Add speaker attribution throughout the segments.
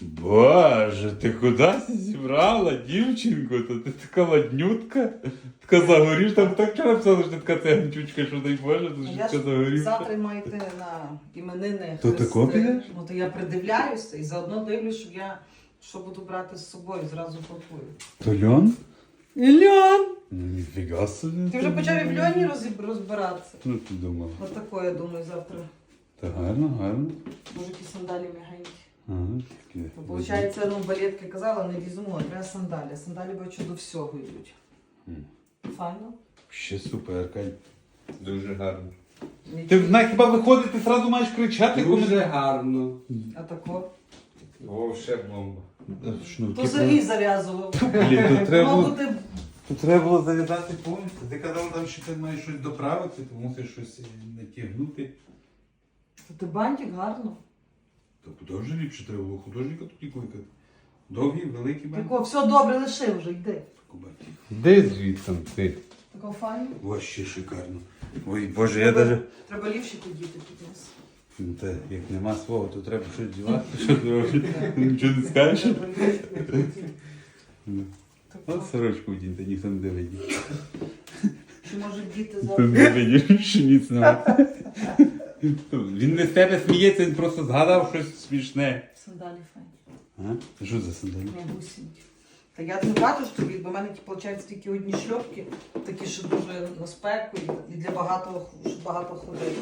Speaker 1: Боже, ти кудись зібрала, дівчинку? То ти така ладнютка, така загорівша. Там так вчора писали, що ти така циганчучка, що дай Боже, то що
Speaker 2: Я
Speaker 1: така
Speaker 2: ж
Speaker 1: загорівша.
Speaker 2: завтра маю йти на іменини.
Speaker 1: То тако підеш?
Speaker 2: Ну то я придивляюся і заодно дивлюсь, щоб я що буду брати з собою, зразу пакую.
Speaker 1: То льон?
Speaker 2: Льон!
Speaker 1: Ну, ніфіга собі.
Speaker 2: Ти вже почав і в льоні розбиратися.
Speaker 1: Ну, ти думала.
Speaker 2: Отако, я думаю, завтра.
Speaker 1: Та гарно, гарно.
Speaker 2: Може, ті сандалі м'ягенькі.
Speaker 1: Ага, такі.
Speaker 2: То, виходить, ну, балетки казала, не візьму, а треба сандалі. Сандалі, бачу, до всього йдуть. Файно.
Speaker 1: Ще супер, Кать.
Speaker 3: Дуже гарно.
Speaker 1: Ти на хіба виходити, зразу маєш кричати, коли...
Speaker 3: Дуже гарно.
Speaker 2: А тако?
Speaker 3: Вовше бомба.
Speaker 2: То Сергій зав'язував.
Speaker 1: Блін, то треба
Speaker 2: Мав
Speaker 1: було...
Speaker 2: бути
Speaker 1: То треба було зав'язати повністю. Ти казав, там, що ти маєш щось доправити, то мусиш щось натягнути.
Speaker 2: То ти бантик гарно.
Speaker 1: То куди вже ліпше треба було художника тоді кликати. Довгий, великий бантик.
Speaker 2: Тако, все добре, лиши вже, йди.
Speaker 1: Де звідси ти?
Speaker 2: Тако файно.
Speaker 1: Вообще шикарно. Ой, Боже, я даже...
Speaker 2: Треба лівші подіти під нас.
Speaker 1: Ну, та, як нема свого, то треба щось дівати. Що ти робиш? Нічого не скажеш?
Speaker 2: Треба лівші подіти.
Speaker 1: От сорочку вдіньте, ніхто не дивить.
Speaker 2: Чи може діти
Speaker 1: Ніхто
Speaker 2: завтра?
Speaker 1: не дивить, що ніц немає. Він не з тебе сміється, він просто згадав щось смішне.
Speaker 2: Сандалі файні.
Speaker 1: А? Що за сандалі?
Speaker 2: Не гусінькі. Та я не бачу ж тобі, бо в мене виходить тільки одні шльопки, такі, що дуже на спеку і для багато, щоб багато ходити.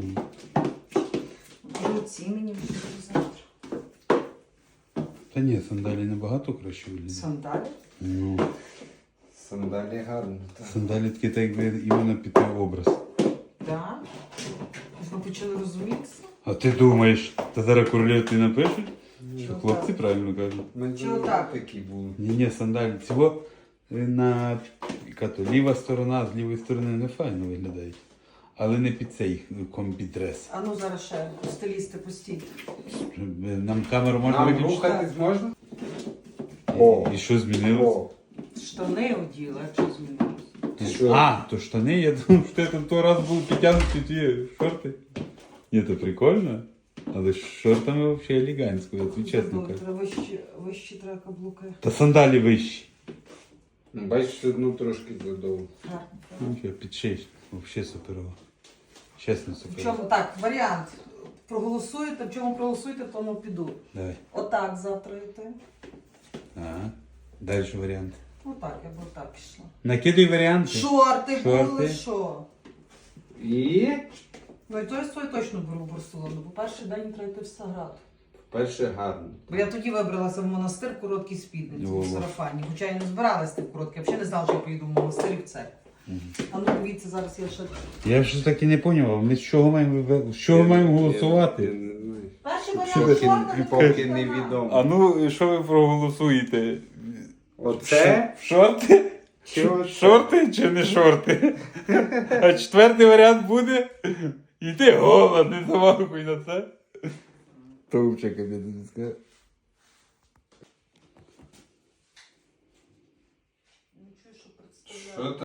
Speaker 2: Може оці мені буде завтра.
Speaker 1: Та ні, сандалі набагато краще виглядають.
Speaker 2: Сандалі?
Speaker 1: Ну,
Speaker 3: Сандалі гарно. Так.
Speaker 1: сандалі такі, так якби іменно під той образ.
Speaker 2: Так. Ми почали розумітися.
Speaker 1: А ти думаєш, та зараз королівці напишуть? Що
Speaker 2: Чого
Speaker 1: хлопці
Speaker 2: так?
Speaker 1: правильно кажуть?
Speaker 3: Ми
Speaker 2: Чого
Speaker 3: вже
Speaker 2: так?
Speaker 3: такі були.
Speaker 1: Ні, сандалі. Цього на яка то ліва сторона, з лівої сторони не файно виглядають. Але не під цей комбі-дрес.
Speaker 2: А ну зараз ще стилісти постійно.
Speaker 1: Нам камеру можна
Speaker 3: Нам
Speaker 1: виключити?
Speaker 3: рухатись можна?
Speaker 1: І що змінилось?
Speaker 3: О,
Speaker 2: Штани оділа, якщо змінилось.
Speaker 3: ти що?
Speaker 1: А, то штани, я думав, що ти там той раз був підтягнуті ті шорти. Ні, то прикольно. Але з шортами взагалі елегантсько, я тобі чесно кажу.
Speaker 2: Треба вищі треба каблуки.
Speaker 1: Та сандалі вищі.
Speaker 3: Бачиш, одну трошки задовго.
Speaker 2: Гарно.
Speaker 1: Ну, що, під 6. Взагалі суперово. Чесно
Speaker 2: В
Speaker 1: суперово.
Speaker 2: чому так, варіант. Проголосуєте, в чому проголосуєте, в тому піду.
Speaker 1: Давай.
Speaker 2: Отак завтра йти.
Speaker 1: Ага. Далі варіант.
Speaker 2: Отак, я б отак пішла.
Speaker 1: Накидуй варіанти.
Speaker 2: Шорти
Speaker 1: Шорти.
Speaker 2: були, що?
Speaker 3: І
Speaker 2: Ну і той точно беру в Барселону, бо перший день треба йти в Саград.
Speaker 3: перше гарно.
Speaker 2: Бо я тоді вибралася в монастир в короткій спідниці,
Speaker 1: Во-во.
Speaker 2: в сарафані. Хоча я не збиралася в короткій, я взагалі не знала, що я поїду в монастир і в церкву. А ну дивіться, зараз я ще...
Speaker 1: Я ж так і не зрозумів, ми з чого маємо голосувати?
Speaker 3: Я не знаю.
Speaker 2: Перший
Speaker 1: Що
Speaker 2: варіант
Speaker 1: ви-
Speaker 2: чорна,
Speaker 3: Поки невідомо.
Speaker 1: ну, що ви проголосуєте?
Speaker 3: Оце?
Speaker 1: Шорти?
Speaker 3: Чи оце?
Speaker 1: Шорти чи не шорти? А четвертий варіант буде? Іди гола, не замахуй на це. Товчик, я тобі скажу.
Speaker 2: Нічого, що представляю.
Speaker 3: Що